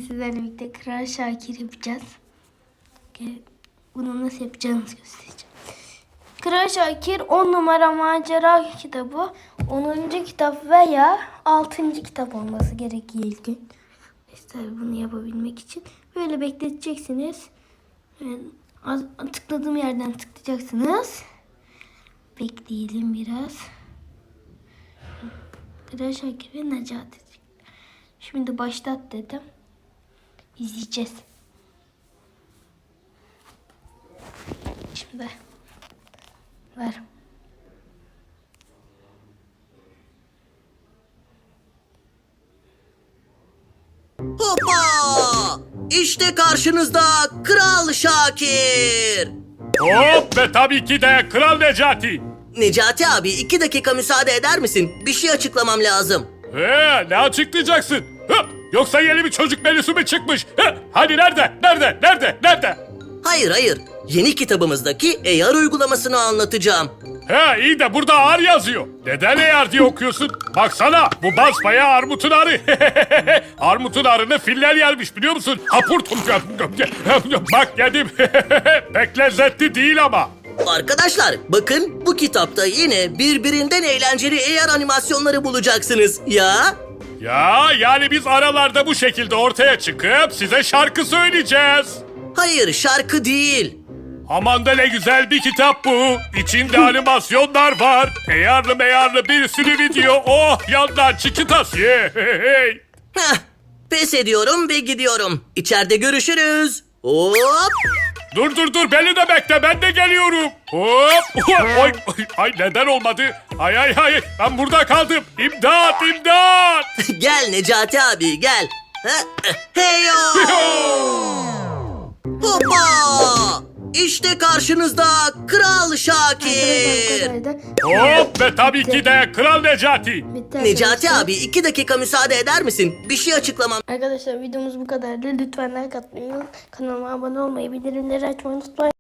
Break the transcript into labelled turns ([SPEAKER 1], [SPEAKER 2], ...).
[SPEAKER 1] sizlerle birlikte Kral Şakir yapacağız. Bunu nasıl yapacağınızı göstereceğim. Kral Şakir 10 numara macera kitabı 10. kitap veya 6. kitap olması gerekiyor ilk gün. İşte bunu yapabilmek için böyle bekleteceksiniz. Tıkladığım yerden tıklayacaksınız. Bekleyelim biraz. Kral Şakir ve Necati. Şimdi başlat dedim. İzleyeceğiz. Şimdi ver.
[SPEAKER 2] Hoppa! İşte karşınızda Kral Şakir.
[SPEAKER 3] Hop ve tabii ki de Kral Necati.
[SPEAKER 2] Necati abi 2 dakika müsaade eder misin? Bir şey açıklamam lazım.
[SPEAKER 3] Ne açıklayacaksın? Yoksa yeni bir çocuk menüsü mü çıkmış? Hadi nerede?
[SPEAKER 2] Hayır. Yeni kitabımızdaki AR uygulamasını anlatacağım.
[SPEAKER 3] İyi de burada ağır yazıyor. Neden AR diye okuyorsun? Baksana bu basbayağı armutun arı. Armutun arını filler yermiş biliyor musun? Hapurtum. Bak yedim. Pek lezzetli değil ama.
[SPEAKER 2] Arkadaşlar bakın bu kitapta yine birbirinden eğlenceli AR animasyonları bulacaksınız. Ya
[SPEAKER 3] Yani biz aralarda bu şekilde ortaya çıkıp size şarkı söyleyeceğiz.
[SPEAKER 2] hayır şarkı değil.
[SPEAKER 3] Aman da ne güzel bir kitap bu. İçinde animasyonlar var. Meyarlı bir sürü video. Oh yandan çıkıtas.
[SPEAKER 2] Heh, pes ediyorum ve gidiyorum. İçeride görüşürüz. Hop!
[SPEAKER 3] Dur beni de bekle ben de geliyorum. Hop. Ay neden olmadı? Ay ben burada kaldım. İmdat.
[SPEAKER 2] Gel Necati abi gel. Heyo! Hoppa! İşte karşınızda Kral Şakir.
[SPEAKER 3] Hop ve tabii ki de Kral Necati.
[SPEAKER 2] Necati abi 2 dakika müsaade eder misin? Bir şey açıklamam.
[SPEAKER 1] Arkadaşlar videomuz bu kadardı. Lütfen like atmayı, kanalıma abone olmayı, bildirimleri açmayı unutmayın.